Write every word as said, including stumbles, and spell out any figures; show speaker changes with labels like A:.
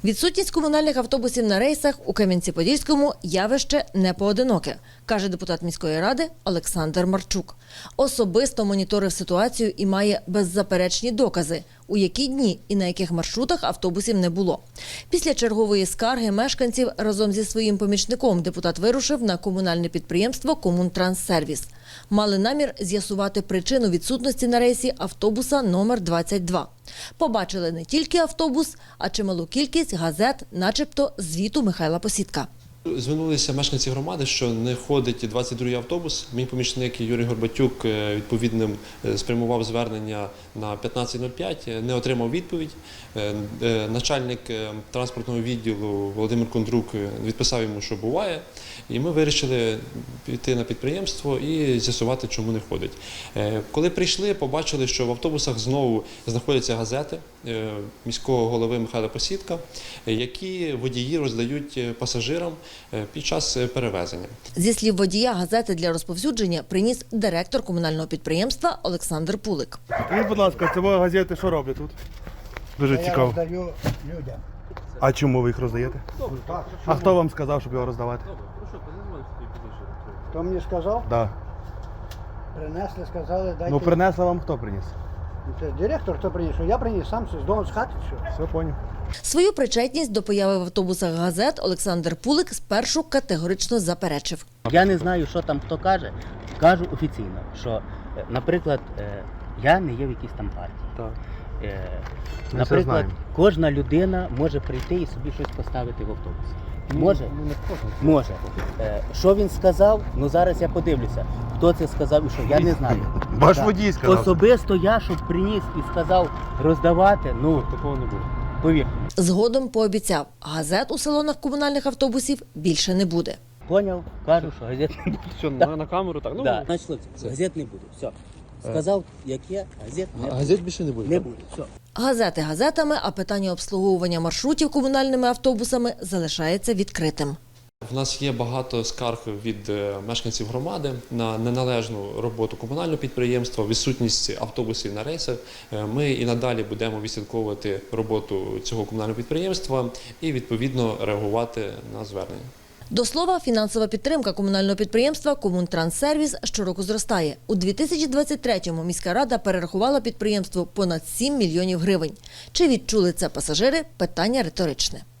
A: Відсутність комунальних автобусів на рейсах у Кам'янці-Подільському явище не поодиноке, каже депутат міської ради Олександр Марчук. Особисто моніторив ситуацію і має беззаперечні докази, у які дні і на яких маршрутах автобусів не було. Після чергової скарги мешканців разом зі своїм помічником депутат вирушив на комунальне підприємство «Комунтранссервіс». Мали намір з'ясувати причину відсутності на рейсі автобуса номер двадцять два. Побачили не тільки автобус, а чималу кількість газет, начебто звіту Михайла Посідка.
B: Звернулися мешканці громади, що не ходить двадцять другий автобус. Мій помічник Юрій Горбатюк відповідним спрямував звернення на п'ятнадцять нуль п'ять, не отримав відповідь. Начальник транспортного відділу Володимир Кондрук відписав йому, що буває. І ми вирішили піти на підприємство і з'ясувати, чому не ходить. Коли прийшли, побачили, що в автобусах знову знаходяться газети міського голови Михайла Посідка, які водії роздають пасажирам під час перевезення.
A: Зі слів водія, газети для розповсюдження приніс директор комунального підприємства Олександр Пулик.
C: Скажіть, будь ласка, ці газети що роблять тут? Дуже
D: Я
C: цікаво.
D: роздаю людям.
C: А чому ви їх роздаєте?
D: Так,
C: А хто вам сказав, щоб його роздавати?
D: хто мені сказав?
C: Да.
D: Принесли, сказали, дайте.
C: Ну принесли вам хто приніс?
D: Це директор, хто приніс, що я приніс сам з дому, з хати, що.
C: Все, поняв.
A: Свою причетність до появи в автобусах газет Олександр Пулик спершу категорично заперечив.
E: Я не знаю, що там хто каже. Кажу офіційно, що, е, наприклад, е, я не є в якійсь там партії.
C: Так.
E: Е,
C: Ми
E: Наприклад,
C: все знаємо.
E: кожна людина може прийти і собі щось поставити в автобус. Може?
C: Ну, не кожен.
E: Може. Е, Що він сказав? Ну зараз я подивлюся, хто це сказав і що. Я не знаю.
C: Ваш
E: Так.
C: водій сказав.
E: Особисто я, щоб приніс і сказав роздавати, ну,
C: Такого не буде.
E: повір.
A: Згодом пообіцяв, газет у салонах комунальних автобусів більше не буде.
E: Поняв? Кажу, що газет не буде.
F: Що, на, на камеру так? Ну,
E: Да. Значить, хлопці, газет не буде. Все. Сказав, як є, газет не буде.
F: газет більше не буде.
E: Не буде. Все.
A: Газети газетами, а питання обслуговування маршрутів комунальними автобусами залишається відкритим.
B: В нас є багато скарг від мешканців громади на неналежну роботу комунального підприємства, відсутність автобусів на рейсах. Ми і надалі будемо відслідковувати роботу цього комунального підприємства і відповідно реагувати на звернення.
A: До слова, фінансова підтримка комунального підприємства «Комунтранссервіс» щороку зростає. У дві тисячі двадцять третьому міська рада перерахувала підприємству понад сім мільйонів гривень. Чи відчули це пасажири – питання риторичне.